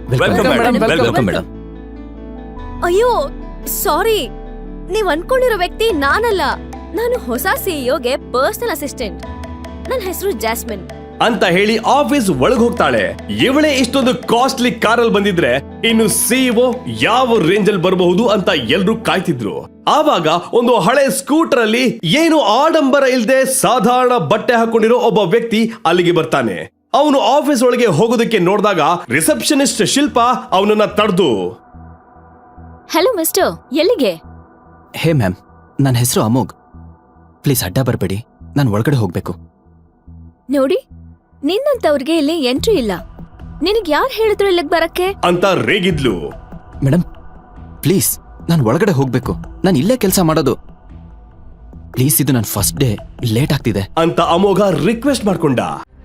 Welcome madam. ಅಯ್ಯೋ ಸಾರಿ, ನೀವ್ ಅನ್ಕೊಂಡಿರೋ ವ್ಯಕ್ತಿ ನಾನಲ್ಲ. ನಾನು ಹೊಸ ಸಿಇಒಗೆ ಪರ್ಸನಲ್ ಅಸಿಸ್ಟೆಂಟ್. ನನ್ನ ಹೆಸರು ಜಾಸ್ಮಿನ್ ಅಂತ ಹೇಳಿ ಆಫೀಸ್ ಒಳಗ್ ಹೋಗ್ತಾಳೆ. ಇವಳೇ ಇಷ್ಟೊಂದು ಕಾಸ್ಟ್ಲಿ ಕಾರಲ್ಲಿ ಬಂದಿದ್ರೆ ಇನ್ನು ಸಿಇಒ ಯಾವ ರೇಂಜ್ ಅಲ್ಲಿ ಬರಬಹುದು ಅಂತ ಎಲ್ರು ಕಾಯ್ತಿದ್ರು. ಆವಾಗ ಒಂದು ಹಳೆ ಸ್ಕೂಟರ್ ಅಲ್ಲಿ ಏನು ಆಡಂಬರ ಇಲ್ದೆ ಸಾಧಾರಣ ಬಟ್ಟೆ ಹಾಕೊಂಡಿರೋ ಒಬ್ಬ ವ್ಯಕ್ತಿ ಅಲ್ಲಿಗೆ ಬರ್ತಾನೆ. ಅವನು ಆಫೀಸ್ ಒಳಗೆ ಹೋಗೋದಕ್ಕೆ ನೋಡಿದಾಗ ರಿಸೆಪ್ಷನಿಸ್ಟ್ ಶಿಲ್ಪಾ ಅವನನ್ನ ತಡೆದು, ಹಲೋ ಮಿಸ್ಟರ್, ಎಲ್ಲಿಗೆ? ಹೇ ಮ್ಯಾಮ್, ನನ್ನ ಹೆಸರು ಅಮೋಘ್. ಪ್ಲೀಸ್ ಅಡ್ಡ ಬರಬೇಡಿ, ನಾನು ಒಳಗಡೆ ಹೋಗ್ಬೇಕು. ನೋಡಿ, ನಿನ್ನಂತವ್ರಿಗೆ ಇಲ್ಲಿ ಎಂಟ್ರಿ ಇಲ್ಲ. ನಿನಗ್ ಯಾರು ಹೇಳಿದ್ರು ಇಲ್ಲಿಗೆ ಬರಕ್ಕೆ ಅಂತ ರೇಗಿದ್ಲು. ಮೇಡಮ್ ಪ್ಲೀಸ್, ನಾನು ಒಳಗಡೆ ಹೋಗ್ಬೇಕು. ನಾನು ಇಲ್ಲೇ ಕೆಲಸ ಮಾಡೋದು. ಪ್ಲೀಸ್, ಇದು ನನ್ನ ಫಸ್ಟ್ ಡೇ, ಲೇಟ್ ಆಗ್ತಿದೆ ಅಂತ ಅಮೋಘ ರಿಕ್ವೆಸ್ಟ್ ಮಾಡ್ಕೊಂಡ.